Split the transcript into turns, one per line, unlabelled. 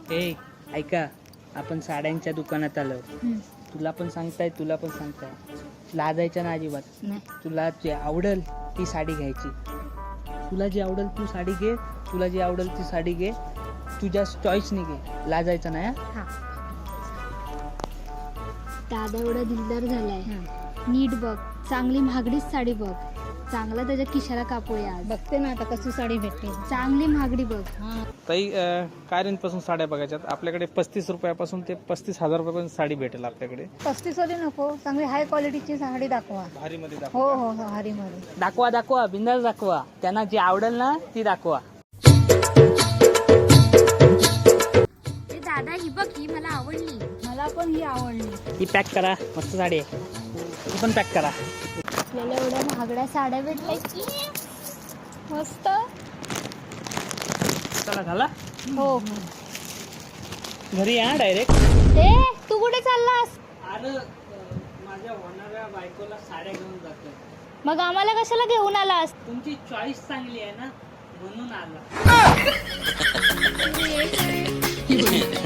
ए ऐका, आपण साड्यांच्या दुकानात आलो. तुला पण सांगताय लाजायचं ना अजिबात.
नाही.
तुला जे आवडेल ती साडी घ्यायची. तुला जी आवडेल तू साडी घे, तुला जी आवडेल ती साडी घे, तुझ्या चॉईसने घे, लाजायचं नाही.
हा.
दादा एवढा दिलदार झालाय. नीट बघ, चांगली महागडीच साडी बघ, चांगला त्याच्या खिशाला कापूया आज.
बघते ना आता कशी साडी भेटते.
चांगली महागडी बघ.
ताई, काय रेंजपासून साड्या बघायच्यात आपल्याकडे? 35 रुपयापासून ते 35,000 रुपयापर्यंत साडी भेटेल आपल्याकडे.
35 वाली नको, चांगली हाय क्वालिटीची साडी दाखवा.
भारीमध्ये
हो हो हो, हारीमध्ये
दाखवा बिंदास दाखवा. त्यांना जी आवडेल ना ती दाखवा.
दादा ही बघ, ही मला आवडली.
मला पण ही आवडली.
ही पॅक करा, मस्त साडी आहे. ही पण पॅक करा.
आपल्याला एवढ्या महागड्या साड्या भेटल्या की मस्त.
चला झाला,
हो.
घरी या डायरेक्ट.
ए तू कुठे चाललास?
अरे माझ्या होणाऱ्या बायकोला साड्या घेऊन जातो.
मग आम्हाला कशाला घेऊन आलास?
तुमची चॉईस चांगली आहे ना म्हणून आला.